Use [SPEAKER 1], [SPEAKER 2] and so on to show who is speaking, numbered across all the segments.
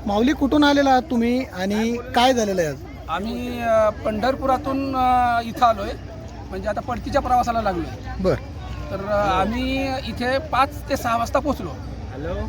[SPEAKER 1] माऊली कुठून आलेला आहात तुम्ही आणि काय झालेलं आहे आज?
[SPEAKER 2] आम्ही पंढरपुरातून इथं आलोय, म्हणजे आता परतीच्या प्रवासाला लागलोय.
[SPEAKER 1] बर.
[SPEAKER 2] तर आम्ही इथे 5 ते 6 वाजता पोचलो.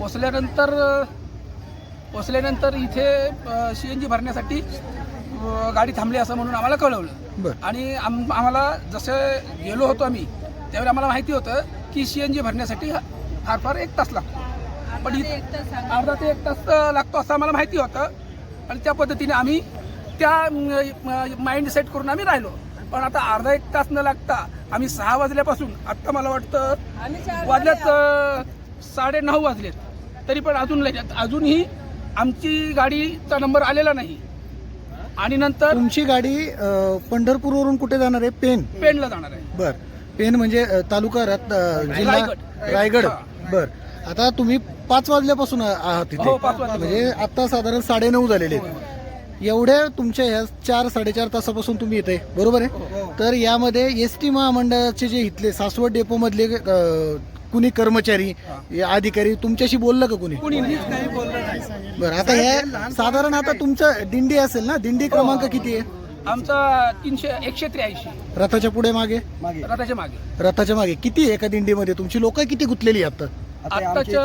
[SPEAKER 2] पोचल्यानंतर इथे CNG भरण्यासाठी गाडी थांबली असं म्हणून आम्हाला कळवलं.
[SPEAKER 1] बर.
[SPEAKER 2] आणि आम्हाला जसं गेलो होतो आम्ही त्यावेळी आम्हाला माहिती होतं की CNG भरण्यासाठी फार 1 तास लागतो, पण अर्धा ते 1 तास लागतो असं आम्हाला माहिती होतं. आणि त्या पद्धतीने आम्ही त्या माइंड सेट करून आम्ही राहिलो. पण आता अर्धा 1 तास न लागता आम्ही 6 वाजल्यापासून आत्ता मला वाटतं वाजल्यात 9:30 वाजलेत, तरी पण अजूनही आमची गाडीचा नंबर आलेला नाही. आणि नंतर
[SPEAKER 1] तुमची गाडी पंढरपूरवरून कुठे जाणार आहे?
[SPEAKER 2] पेणला जाणार आहे.
[SPEAKER 1] बर. पेण म्हणजे तालुका जिल्हा रायगड. बर. आता तुम्ही 5 वाजल्यापासून आहात तिथे.
[SPEAKER 2] हो, 5 वाजल्यापासून.
[SPEAKER 1] म्हणजे आता साधारण 9:30 झालेले आहेत. एवढ्या तुमच्या ह्या 4-4.5 तासापासून तुम्ही येते, बरोबर आहे? तर यामध्ये SD महामंडळाचे जे इथले सासवड डेपो मधले कुणी कर्मचारी अधिकारी तुमच्याशी बोललं का कुणी?
[SPEAKER 2] नाही बोललं नाही.
[SPEAKER 1] बरं. आता हे साधारण आता तुमचं दिंडी असेल ना, दिंडी क्रमांक किती आहे?
[SPEAKER 2] आमचा 183.
[SPEAKER 1] रथाच्या पुढे मागे? रथाच्या मागे किती आहे एका दिंडीमध्ये? तुमची लोक किती गुंतलेली आता?
[SPEAKER 2] आत्ताच्या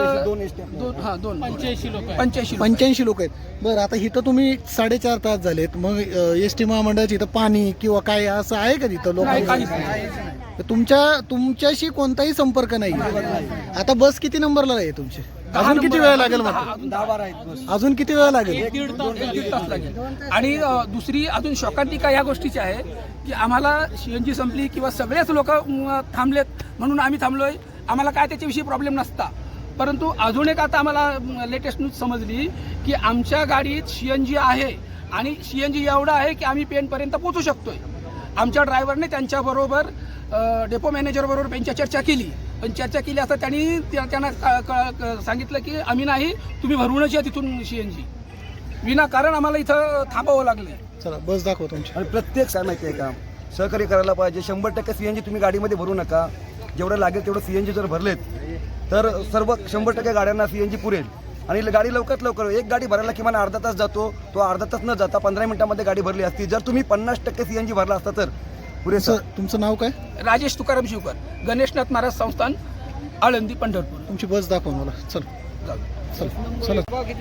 [SPEAKER 2] 85
[SPEAKER 1] लोक आहेत. बरं. आता इथं तुम्ही 4.5 तास झालेत, मग SD महामंडळाची इथं पाणी किंवा काय असं आहे का तिथं लोक? तुमच्याशी कोणताही संपर्क नाही. आता बस किती नंबरला आहे तुमची? अजून किती वेळ लागेल? अजून किती वेळ लागेल?
[SPEAKER 2] 1.5 तास लागेल. आणि दुसरी अजून शोकांतिका या गोष्टीची आहे की आम्हाला CNG संपली किंवा सगळेच लोक थांबलेत म्हणून आम्ही थांबलोय. आम्हाला काय त्याच्याविषयी प्रॉब्लेम नसता, परंतु अजून एक आता आम्हाला लेटेस्ट न्यूज समजली की आमच्या गाडीत CNG आहे आणि CNG एवढा आहे की आम्ही पेणपर्यंत पोहोचू शकतोय. आमच्या ड्रायव्हरने त्यांच्याबरोबर डेपो मॅनेजरबरोबर त्यांच्या चर्चा केली, पण चर्चा केली असता त्यांना सांगितलं की आम्ही नाही, तुम्ही भरूनच या तिथून CNG. विनाकारण आम्हाला इथं थांबावं लागले.
[SPEAKER 1] चला बस दाखव तुमची.
[SPEAKER 3] आणि प्रत्येक काय माहिती आहे का, सहकार्य करायला पाहिजे. 100% CNG तुम्ही गाडीमध्ये भरू नका. जेवढं लागेल तेवढं CNG जर भरलेत तर सर्व 100% गाड्यांना CNG पुरेल. आणि गाडी लवकरात लवकर, एक गाडी भरायला किमान अर्धा तास जातो, तो अर्धा तास न जाता 15 मिनिटांमध्ये गाडी भरली असती. जर तुम्ही 50% CNG भरला असता तर पुरेसं.
[SPEAKER 1] तुमचं नाव काय?
[SPEAKER 2] राजेश तुकाराम शिवकर, गणेशनाथ महाराज संस्थान, आळंदी, पंढरपूर.
[SPEAKER 1] तुमची बस दाखव मला. चल चल चल.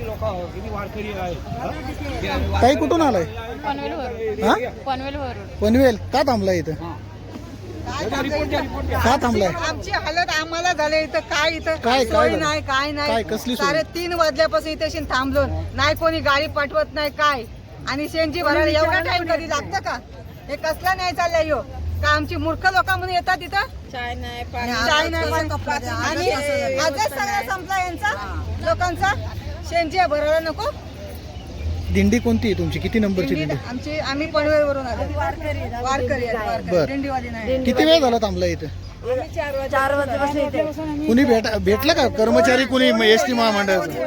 [SPEAKER 1] काही कुठून आलाय? पनवेल. का थांबलाय इथं? का थांबलाय?
[SPEAKER 4] आमची हालत आम्हाला झाले इथं. काय
[SPEAKER 1] काय
[SPEAKER 4] सोय नाही, काय नाही.
[SPEAKER 1] काय कसली सोय?
[SPEAKER 4] 3:30 वाजल्यापासून इथे थांबलो नाही, कोणी गाडी पाठवत नाही काय. आणि CNG भरायला एवढा टाइम कधी लागतं का? हे कसला नाही चाललंय हो का? आमची मूर्ख लोक म्हणून येतात इथं. चाय नाही आणि आजच सगळं संपला यांचा लोकांचा. CNG भरायला नको.
[SPEAKER 1] दिंडी कोणती आहे तुमची? किती नंबरची दिंडी?
[SPEAKER 4] आम्ही पनवेलवरून आलो. वारकरी दिंडीवाली नाही.
[SPEAKER 1] किती वेळ झाला थांबला इथं?
[SPEAKER 4] 4 वाजल्यापासून.
[SPEAKER 1] कुणी भेटलं का कर्मचारी? कुणी SD महामंडळाचं?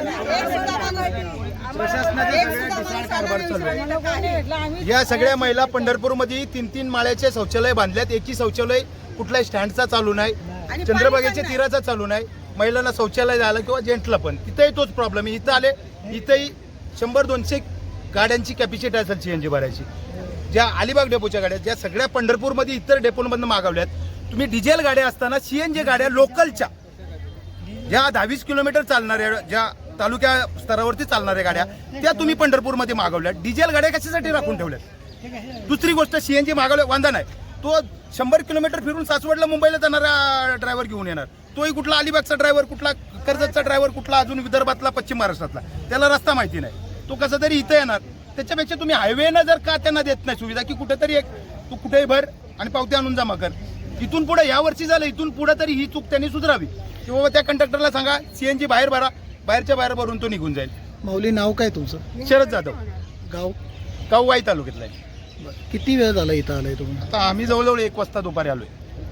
[SPEAKER 5] या सगळ्या महिला पंढरपूरमध्ये 3-3 माळ्याचे शौचालय बांधल्यात. एकही शौचालय कुठल्याही स्टँडचा चालू नाही, चंद्रभागेच्या तीराचा चालू नाही. महिलांना शौचालय झालं किंवा जेंट्सला पण तिथेही तोच प्रॉब्लेम आहे. इथं आले, इथंही 100-200 गाड्यांची कॅपॅसिटी असेल CNG भरायची. ज्या अलिबाग डेपोच्या गाड्या, ज्या सगळ्या पंढरपूरमध्ये इतर डेपोमधून मागवल्यात. तुम्ही डिझेल गाड्या असताना CNG गाड्या लोकलच्या, ज्या 22 किलोमीटर चालणाऱ्या, ज्या तालुक्या स्तरावरती चालणाऱ्या गाड्या, त्या तुम्ही पंढरपूरमध्ये मागवल्या. डिझेल गाड्या कशासाठी राखून ठेवल्यात? दुसरी गोष्ट, CNG मागवल्या वांधा नाही. तो 100 किलोमीटर फिरून सासवडला, मुंबईला जाणारा ड्रायव्हर घेऊन येणार. तोही कुठला अलिबागचा ड्रायव्हर, कुठला कर्जतचा ड्रायव्हर, कुठला अजून विदर्भातला, पश्चिम महाराष्ट्रातला, त्याला रस्ता माहिती नाही. तो कसा तरी इथं येणार. त्याच्यापेक्षा तुम्ही हायवेनं जर का त्यांना देत नाही सुविधा की कुठेतरी तू कुठेही भर आणि पावती आणून जमा कर. इथून पुढे, या वर्षी झालं, इथून पुढे तरी ही चूक त्यांनी सुधारावी. किंवा त्या कंडक्टरला सांगा CNG बाहेर भरा, बाहेरच्या बाहेर भरून तो निघून जाईल.
[SPEAKER 1] माऊली, नाव काय तुमचं?
[SPEAKER 5] शरद जाधव,
[SPEAKER 1] गाव
[SPEAKER 5] वाई तालुक्यातला आहे.
[SPEAKER 1] किती वेळ झाला इथं आलाय तुम्ही?
[SPEAKER 5] आता आम्ही जवळजवळ 1 वाजता दुपारी आलोय.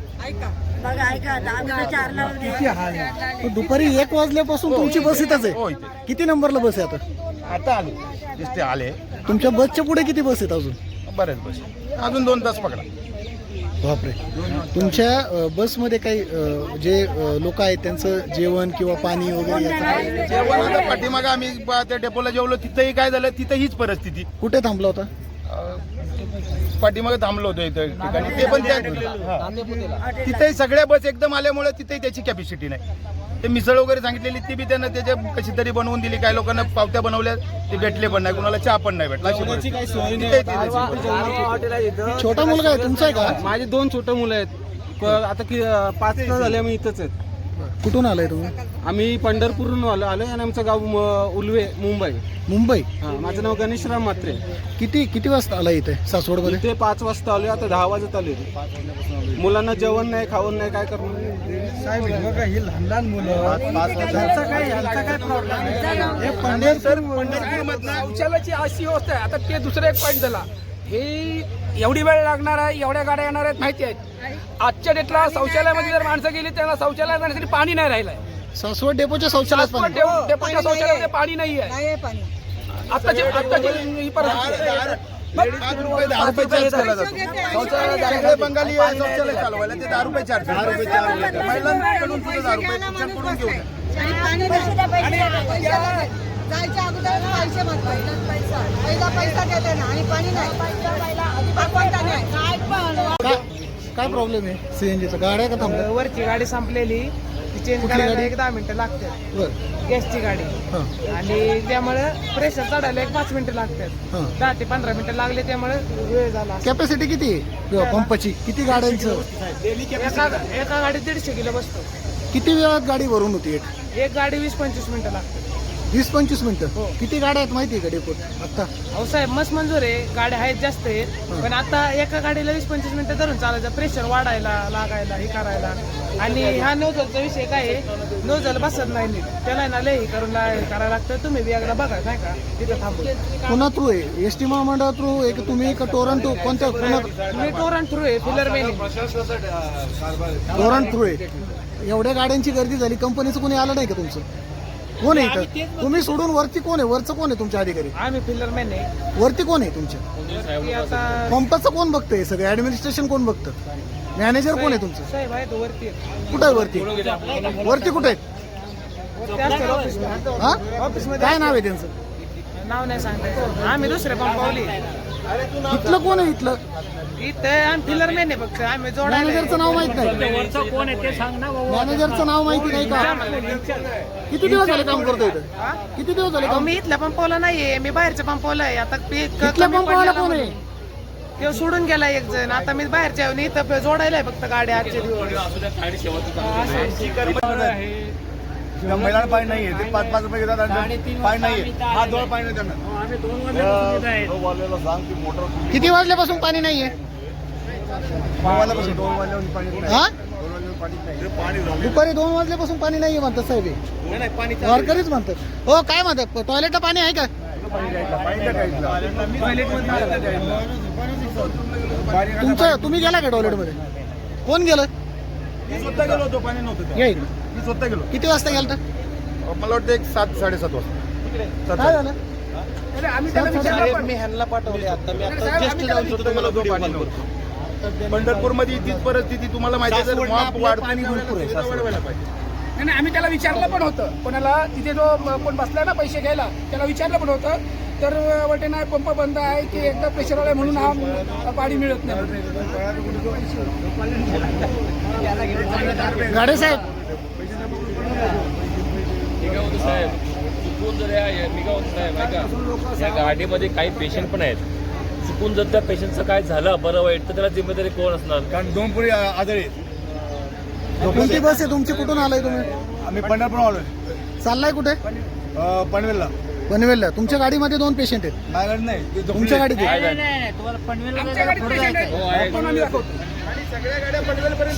[SPEAKER 1] दुपारी 1 वाजल्यापासून तुमची बस इथंच
[SPEAKER 5] हो,
[SPEAKER 1] आहे?
[SPEAKER 5] इथे.
[SPEAKER 1] किती नंबरला बस आहे आता?
[SPEAKER 5] आता आले, आले.
[SPEAKER 1] तुमच्या बसच्या पुढे किती बस आहेत अजून?
[SPEAKER 5] बरेच बस, अजून 2 तास पकडा.
[SPEAKER 1] बापरे. तुमच्या बसमध्ये काही जे लोक आहेत त्यांचं जेवण किंवा पाणी वगैरे याचं काय?
[SPEAKER 5] जेवण आता पाठीमागं आम्ही त्या डेपोला जेवलो, तिथंही काय झालं, तिथं हीच परिस्थिती.
[SPEAKER 1] कुठे थांबला होता?
[SPEAKER 5] पाठीमागं थांबलो होतो इथं ठिकाणी, ते पण त्या तिथेही सगळ्या बस एकदम आल्यामुळे तिथेही त्याची कॅपॅसिटी नाही. ते मिसळ वगैरे सांगितलेली ती बी त्यानं त्याच्या कशी तरी बनवून दिली. काही लोकांना पावत्या बनवल्या ते भेटले पण नाही, कुणाला चहा पण नाही भेटला.
[SPEAKER 1] छोटा मुलगा आहे तुमचा आहे का?
[SPEAKER 6] माझे 2 छोटे मुलं आहेत. आता 5 तास झाले आम्ही इथंच आहेत.
[SPEAKER 1] कुठून आलाय तुम्ही?
[SPEAKER 6] आम्ही पंढरपूरहून आलो आणि आमचं गाव उलवे, मुंबई.
[SPEAKER 1] मुंबई.
[SPEAKER 6] माझं नाव गणेशराम म्हात्रे.
[SPEAKER 1] किती वाजता आला इथे सासवडमध्ये?
[SPEAKER 6] इथे 5 वाजता आलो, आता 10 वाजत आले. मुलांना जेवण नाही, खावण नाही, काय करणार?
[SPEAKER 2] शौचालयाची अशी व्यवस्था आहे. आता ते दुसरं एक पॉईंट झाला. हे एवढी वेळ लागणार आहे, एवढ्या गाड्या येणार आहेत माहिती आहेत. आजच्या डेटला शौचालयामध्ये जर माणसं गेली त्यांना शौचालयात जाण्यासाठी पाणी नाही राहिलंय.
[SPEAKER 1] सासवड डेपोच्या शौचालयात पाणी?
[SPEAKER 2] डेपोच्या शौचालयामध्ये पाणी नाही आहे.
[SPEAKER 4] नाही पाणी.
[SPEAKER 2] आताची ही परिस्थिती आहे.
[SPEAKER 5] 5 रुपये 10 रुपये चार्ज केला जातो. सगळे बंगाली शौचालय चालवायला ते 10 रुपये चार्ज. महिलांकडून सुद्धा 10 रुपये तुमच्याकडून घेऊन.
[SPEAKER 4] आणि पाणी जायच्या अगोदर पैसे मागतात. पहिला पैसा देते ना आणि पाणी नाही.
[SPEAKER 1] काय प्रॉब्लेम आहे सीएनजीचा? गाड्या का थांबल्या?
[SPEAKER 7] वरची गाडी संपलेली, ती चेंज
[SPEAKER 1] कुठली
[SPEAKER 7] करायला
[SPEAKER 1] गाडी?
[SPEAKER 7] 10 मिनिटं लागतात.
[SPEAKER 1] बरं.
[SPEAKER 7] गॅसची गाडी
[SPEAKER 1] हां
[SPEAKER 7] आणि त्यामुळे प्रेशर चढायला 5 मिनिटं लागतात.
[SPEAKER 1] हां.
[SPEAKER 7] 10 ते 15 मिनिटं लागले त्यामुळे वेळ झाला.
[SPEAKER 1] कॅपॅसिटी किती आहे किंवा पंपाची? किती गाड्यांचं?
[SPEAKER 7] एका गाडीत 150 किलो बसतो.
[SPEAKER 1] किती वेळात गाडी भरून होती?
[SPEAKER 7] एक गाडी 20-25 मिनिटं लागतात.
[SPEAKER 1] 20-25 मिनिटं? किती गाड्या आहेत माहिती आहे का डेपोत आता?
[SPEAKER 7] अहो साहेब, मस्त मंजूर आहे, गाड्या आहेत जास्त आहेत, पण आता एका गाडीला 20-25 मिनिटं धरून चालायचं. प्रेशर वाढायला लागायला हे करायला. आणि हा नोझलचा विषय काय आहे, नोझल बसत नाही नीट, त्याला ना लय करायला लागतं. तुम्ही बी एकदा बघा नाही का तिथं थांबून.
[SPEAKER 1] पुन्हा थ्रू आहे? एस टी महामंडळ थ्रू आहे की तुम्ही का टोरंटो? कोणत्या
[SPEAKER 7] मी टोरंट थ्रू आहे, फिलर मेन.
[SPEAKER 1] टोरंट थ्रू आहे? एवढ्या गाड्यांची गर्दी झाली, कंपनीचं कोणी आलं नाही का तुमचं? कोण आहे इथं? तुम्ही सोडून वरती कोण आहे? वरचं कोण आहे तुमच्या अधिकारी?
[SPEAKER 7] आम्ही फिलर मेन आहे.
[SPEAKER 1] वरती कोण आहे तुमच्या?
[SPEAKER 7] की आता
[SPEAKER 1] पंपाचं कोण बघतंय? सगळं ऍडमिनिस्ट्रेशन कोण बघतं? मॅनेजर कोण आहे तुमचं?
[SPEAKER 7] साहेब आहे तो वरती
[SPEAKER 1] कुठं आहे वरती? वरती कुठे आहेत? हा?
[SPEAKER 7] ऑफिसमध्ये.
[SPEAKER 1] काय नाव आहे त्यांचं?
[SPEAKER 7] नाव नाही सांगतायचं. आम्ही दुसरे पंपावली.
[SPEAKER 1] इथलं कोण आहे? इथलं
[SPEAKER 7] इथं आम्ही फिलर मेन आहे फक्त. आम्ही जोडायला
[SPEAKER 1] मॅनेजरचं नाव माहित नाही? मॅनेजरचं नाव माहिती नाही का? किती दिवस झाले काम करतोय इथं? किती दिवस झाले
[SPEAKER 7] अहो,
[SPEAKER 1] काम?
[SPEAKER 7] मी इथल्या पंपावला नाहीये, मी बाहेरच्या पंपावला आहे. आता ते
[SPEAKER 1] इथल्या पंपावाला कोण आहे?
[SPEAKER 7] तो सोडून गेला एक जण. आता मी बाहेरच्या येऊन इथं जोडायला आहे फक्त गाड्या आजचे दिवस.
[SPEAKER 3] महिलांना पाणी नाहीये, ते 5-5 रुपये घेतात आणि पाणी नाहीये. हा दोन पाणी नाही त्यांना.
[SPEAKER 1] किती वाजल्यापासून पाणी नाहीये?
[SPEAKER 3] 2 वाजल्यापासून पाणी नाही.
[SPEAKER 1] हा? दुपारी 2 वाजल्यापासून पाणी नाहीये म्हणतात साहेब हे. वारकरीच म्हणतात. हो काय म्हणतात? टॉयलेटला पाणी आहे का? तुम्ही गेला का टॉयलेटमध्ये? कोण गेलं?
[SPEAKER 5] मी स्वतः गेलो होतो, पाणी नव्हतं.
[SPEAKER 1] या इकडे.
[SPEAKER 5] मी स्वतः गेलो.
[SPEAKER 1] किती वाजता गेलता?
[SPEAKER 5] मला वाटतं 7-7:30 वाजता.
[SPEAKER 1] काय झालं?
[SPEAKER 2] आम्ही त्याला विचारलं पण.
[SPEAKER 6] मी ह्यांना पाठवले आता. मी आता
[SPEAKER 2] साहेब,
[SPEAKER 6] जस्ट
[SPEAKER 2] आम्ही त्याला
[SPEAKER 6] जाऊन
[SPEAKER 2] विचारलं.
[SPEAKER 5] मला जो पाणी नव्हतं. पंढरपूरमध्ये तीच परिस्थिती तुम्हाला माहिती आहे. जर माप पाणी भरपूर आहे, वाढवायला पाहिजे.
[SPEAKER 2] नाही, आम्ही त्याला विचारलं पण होतं. कोणाला तिथे जो कोण बसलाय ना पैसे घ्यायला, त्याला विचारलं पण होतं. तर वाटे नाही, पंप बंद आहे की एकदा प्रेशर आलाय म्हणून हा पाणी मिळत नाही.
[SPEAKER 1] गाडे साहेब,
[SPEAKER 8] चुकून जर या गाडीमध्ये काही पेशंट पण आहेत, चुकून जर त्या पेशंटचं काय झालं बरं वाईट तर त्याला जिम्मेदारी कोण असणार?
[SPEAKER 3] कारण 2 पुरी आजारी आहेत.
[SPEAKER 1] कोणती बस आहे तुमची? कुठून आलाय तुम्ही?
[SPEAKER 3] आम्ही पंढरपूर आलोय.
[SPEAKER 1] चाललाय कुठे?
[SPEAKER 3] पनवेलला.
[SPEAKER 1] पनवेलला. तुमच्या गाडीमध्ये 2 पेशंट आहेत?
[SPEAKER 3] माझ्याकडे नाही, ते झोपले.
[SPEAKER 1] तुमच्या गाडीत आहे?
[SPEAKER 2] आमच्या गाडीत patient आहेत. आपण आम्ही दाखवतो.
[SPEAKER 5] सगळ्या गाड्या पनवेलपर्यंत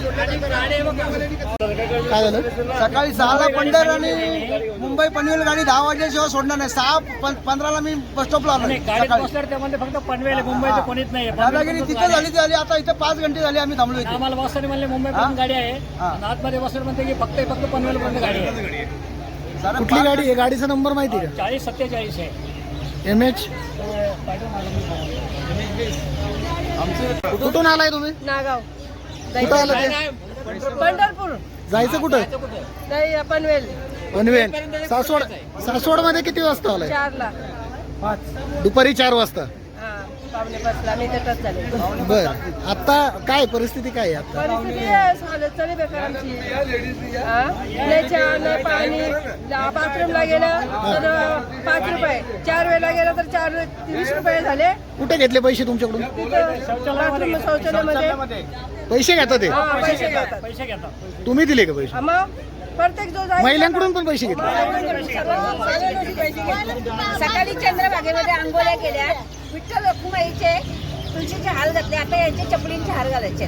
[SPEAKER 1] काय झालं?
[SPEAKER 9] सकाळी 6ला पंढर आणि मुंबई पनवेल गाडी 10 वाजल्याशिवाय सोडणार नाही. 6:15ला मी बस स्टॉपला आलो सकाळी.
[SPEAKER 10] फक्त पनवेल मुंबईचं कोणीच नाही.
[SPEAKER 9] दादागिरी तिथं झाली आता इथं 5 घंटे झाले आम्ही थांबलो इथे.
[SPEAKER 10] आम्हाला बसताना म्हणले मुंबईपर्यंत गाडी आहे, आणि आतमध्ये बसलं म्हणते की फक्त पनवेलपर्यंत गाडी आहे.
[SPEAKER 1] कुठली गाडी आहे? गाडीचा नंबर माहिती का?
[SPEAKER 10] 4047 आहे.
[SPEAKER 1] MH. कुठून आलाय तुम्ही?
[SPEAKER 4] नागाव.
[SPEAKER 1] कुठं आलं ते?
[SPEAKER 4] पंढरपूर
[SPEAKER 1] जायचं कुठं?
[SPEAKER 4] नाही पनवेल
[SPEAKER 1] पनवेल. सासवड मध्ये किती वाजता आलाय?
[SPEAKER 4] 4ला
[SPEAKER 1] दुपारी 4 वाजता.
[SPEAKER 4] पावणे 5ला मी तिथंच झाले.
[SPEAKER 1] बर, आता काय परिस्थिती काय आहे आता?
[SPEAKER 4] परिस्थिती हालत चालली बेकार आमची. नाही चहा नाही पाणी. बाथरूमला गेलं तर 5 रुपये, 4 वेळेला गेलं तर 20 रुपये झाले.
[SPEAKER 1] कुठे घेतले पैसे तुमच्याकडून?
[SPEAKER 4] तिथं बाथरूम शौचालयामध्ये
[SPEAKER 1] पैसे घेतात ते?
[SPEAKER 4] पैसे घेतात.
[SPEAKER 1] तुम्ही दिले का पैसे?
[SPEAKER 4] मग प्रत्येक जो जाईल
[SPEAKER 1] महिलांकडून पण पैसे घेतले?
[SPEAKER 4] सकाळी चंद्रभागेमध्ये आंघोळ्या केल्या. विठ्ठल रखुमाईचे तुळशीचे हार घातले. आता यांचे चपलींचे हार घालायचे.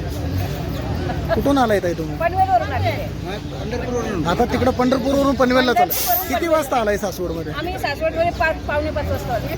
[SPEAKER 1] कुठून आलाय ताई तुम्ही?
[SPEAKER 4] पनवेलवरून आले.
[SPEAKER 1] आता तिकडं पंढरपूरवरून पनवेलला चालला. किती वाजता आलाय सासवड मध्ये?
[SPEAKER 4] आम्ही सासवडमध्ये पावणे 5 वाजता आलो.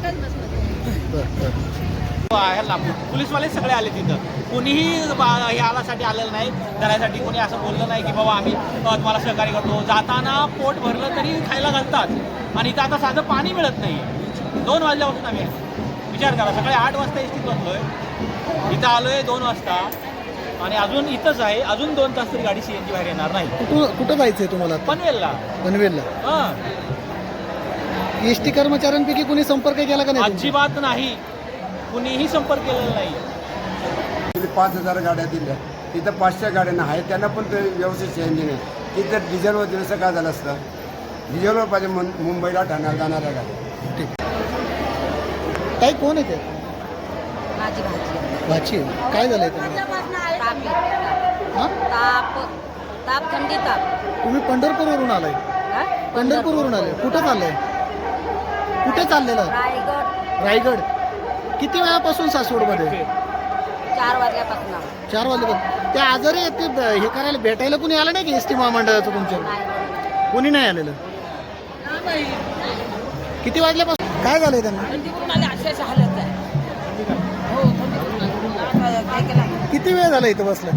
[SPEAKER 11] पोलीसवाले सगळे आले तिथं. कोणीही यासाठी आलेलं नाही, धरायसाठी कोणी असं बोललं नाही की बाबा आम्ही तुम्हाला सहकार्य करतो. जाताना पोट भरलं तरी खायला घालतात आणि इथं आता साधं पाणी मिळत नाही. 2 वाजल्यापासून आम्ही विचार करा, सकाळी 8 वाजता एसटीत बसलोय, इथं आलोय 2 वाजता आणि अजून इथंच आहे. अजून 2 तास तरी गाडी सीएनजी बाहेर येणार नाही.
[SPEAKER 1] कुठं जायचंय तुम्हाला?
[SPEAKER 11] पनवेलला.
[SPEAKER 1] पनवेलला.
[SPEAKER 11] हां,
[SPEAKER 1] एसटी कर्मचाऱ्यांपैकी कोणी संपर्क केला का नाही?
[SPEAKER 11] अजिबात नाही, कुणीही संपर्क केलेला नाही.
[SPEAKER 3] 5,000 गाड्या दिल्या, तिथं 500 गाड्यांना आहे, त्यांना पण ते व्यवस्थित सीएनजी नाही. तिथं डिझेलवर दिलं असं काय झालं असतं? डिझेलवर पाहिजे मुंबईला ठाण्याला जाणाऱ्या गाड्या.
[SPEAKER 1] काय कोण आहे ते?
[SPEAKER 4] माझी भाजी
[SPEAKER 1] भाची आहे. काय झालंय तुम्हाला? हा?
[SPEAKER 4] ताप थंडी ताप.
[SPEAKER 1] तुम्ही पंढरपूरवरून आलाय? पंढरपूरवरून आले. कुठं चाललंय? कुठे चाललेलं?
[SPEAKER 4] रायगड.
[SPEAKER 1] रायगड. किती वेळापासून सासवडमध्ये?
[SPEAKER 4] 4 वाजल्यापासून.
[SPEAKER 1] 4 वाजल्यापासून. त्या आजारी आहेत ते हे करायला भेटायला कुणी आलं नाही की एसटी महामंडळाचं तुमच्या? कोणी नाही आलेलं. किती वाजल्यापासून? काय झालंय त्यांना?
[SPEAKER 4] थंडीवरून आले अशाच हालत आहे. हो काय केलं?
[SPEAKER 1] किती वेळ झाला इथं बसला?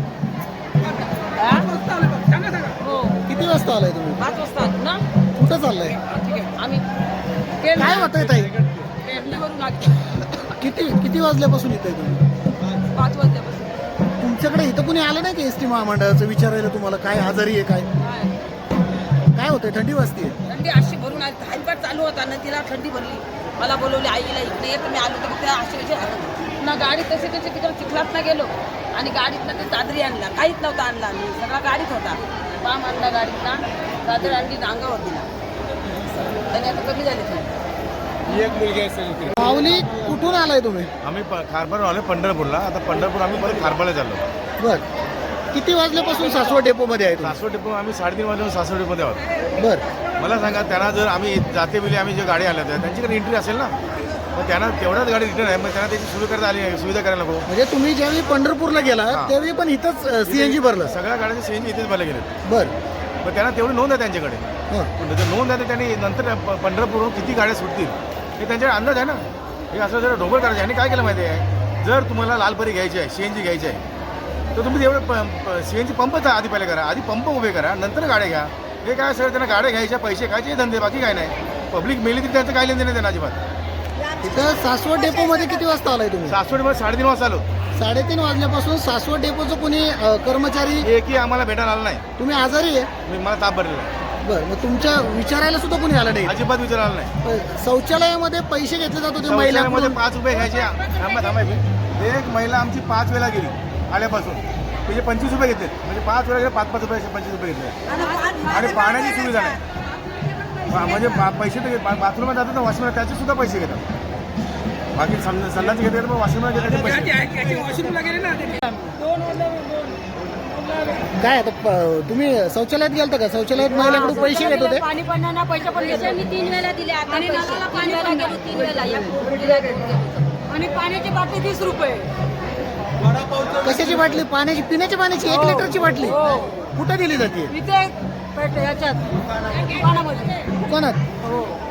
[SPEAKER 4] हो
[SPEAKER 1] किती वाजता आलाय तुम्ही?
[SPEAKER 4] 5 वाजता ना.
[SPEAKER 1] कुठं चाललंय?
[SPEAKER 4] आम्ही
[SPEAKER 1] काय होतंय ताई?
[SPEAKER 4] पेरणीवरून आलो.
[SPEAKER 1] किती वाजल्यापासून येत आहे तुम्ही?
[SPEAKER 4] 5 वाजल्यापासून.
[SPEAKER 1] तुमच्याकडे इथं कुणी आलं नाही की एसटी महामंडळाचं विचारायला तुम्हाला काय आजारी आहे काय होतंय? थंडी वाजते?
[SPEAKER 4] थंडी अशी भरून आली. हायपाट चालू होता ना, तिला थंडी भरली. मला बोलवली आईला, इकडे येत मी आलो तर त्या अशी कशी हरत ना. गाडी तसे तिकडे चिखलात ना गेलो आणि गाडीतनं ते चादरी आणला. काहीच नव्हता आणला. आम्ही सगळा गाडीत होता. पाम आणला गाडीतला, चादर आणली, अंगावर दिला. आणि आता कमी झाली थंडी.
[SPEAKER 6] एक मुलगी असेल.
[SPEAKER 1] माऊली कुठून आलाय तुम्ही?
[SPEAKER 5] आम्ही खारबार आलो पंढरपूरला. आता पंढरपूर आम्ही परत खारबारला चाललो.
[SPEAKER 1] बर. किती वाजल्यापासून सासवड डेपो मध्ये आहे तुम्ही?
[SPEAKER 5] सासवड डेपो आम्ही 3:30 वाजता सासवड डेपोमध्ये आहोत.
[SPEAKER 1] बर.
[SPEAKER 5] मला सांगा, त्यांना जर आम्ही जाते वेळी आम्ही जे गाडी आल्या होत्या त्यांच्याकडे एंट्री असेल ना, मग त्यांना तेवढ्याच गाडी रिटर्न आहे, मग त्यांना त्याची सुविधा करायला नको.
[SPEAKER 1] म्हणजे तुम्ही ज्यावेळी पंढरपूरला गेला त्यावेळी पण इथंच सीएनजी भरलं?
[SPEAKER 5] सगळ्या गाड्यांचे सीएनजी इथेच भरले गेले.
[SPEAKER 1] बर.
[SPEAKER 5] मग त्यांना तेवढी नोंद आहे त्यांच्याकडे.
[SPEAKER 1] हां.
[SPEAKER 5] जर नोंद आहे तर त्यांनी नंतर पंढरपूरहून किती गाड्या सुटतील हे त्यांच्याकडे अंदाज आहे ना. हे असं जर ढोबळ करायचं. आणि काय केलं माहिती आहे, जर तुम्हाला लालपरी घ्यायची आहे, सीएनजी घ्यायची आहे, तर तुम्ही तेवढं सीएनजी पंपच आधी पहिले करा. आधी पंप उभे करा, नंतर गाड्या घ्या. हे काय सर, त्यांना गाड्या घ्यायच्या, पैसे खायचे धंदे, बाकी काय नाही. पब्लिक मेली तरी त्यांचं काय लेन नाही त्यांना अजिबात.
[SPEAKER 1] इथं सासवड डेपो मध्ये किती वाजता आलाय तुम्ही?
[SPEAKER 5] सासवडमध्ये 3:30 वाजता आलो.
[SPEAKER 1] 3:30 वाजल्यापासून सासवड डेपोचं कोणी कर्मचारी
[SPEAKER 5] एकही आम्हाला भेटायला आला नाही.
[SPEAKER 1] तुम्ही आजारी आहे?
[SPEAKER 5] मला ताप भरलेला आहे.
[SPEAKER 1] बरं. मग तुमच्या विचारायला सुद्धा कोणी आलं नाही?
[SPEAKER 5] अजिबात विचारायला नाही.
[SPEAKER 1] शौचालयामध्ये पैसे घेतले जात होते महिलांमध्ये?
[SPEAKER 5] 5 रुपये घ्यायचे. थांबा. एक महिला आमची 5 वेळा गेली आल्यापासून. म्हणजे 25 रुपये घेतले. म्हणजे 5 वेळा गेले, 5 रुपये 25 रुपये घेतले. आणि पाण्याची सुविधा नाही. म्हणजे पैसे तर बाथरूमला जातात ना, वॉशरूमला, त्याचे सुद्धा पैसे घेतात. बाकी संडाचे घेतले तर वॉशरूमला गेले पैसे.
[SPEAKER 2] वॉशरूमला गेले ना.
[SPEAKER 1] काय आता तुम्ही शौचालयात गेलता का? शौचालयात महिलांकडून पैसे घेत होते?
[SPEAKER 4] पाणी पडणार पैसे पण घेतले. मी 3 वेळा दिले. आता 3 वेळा गेलो. 3 वेळा. आणि पाण्याची बाटली 30 रुपये.
[SPEAKER 1] कशाची बाटली? पाण्याची? पिण्याच्या पाण्याची? 1 लिटरची बाटली कुठं दिली जाते?
[SPEAKER 4] इथे याच्यात दुकानामध्ये.
[SPEAKER 1] दुकानात?
[SPEAKER 4] हो.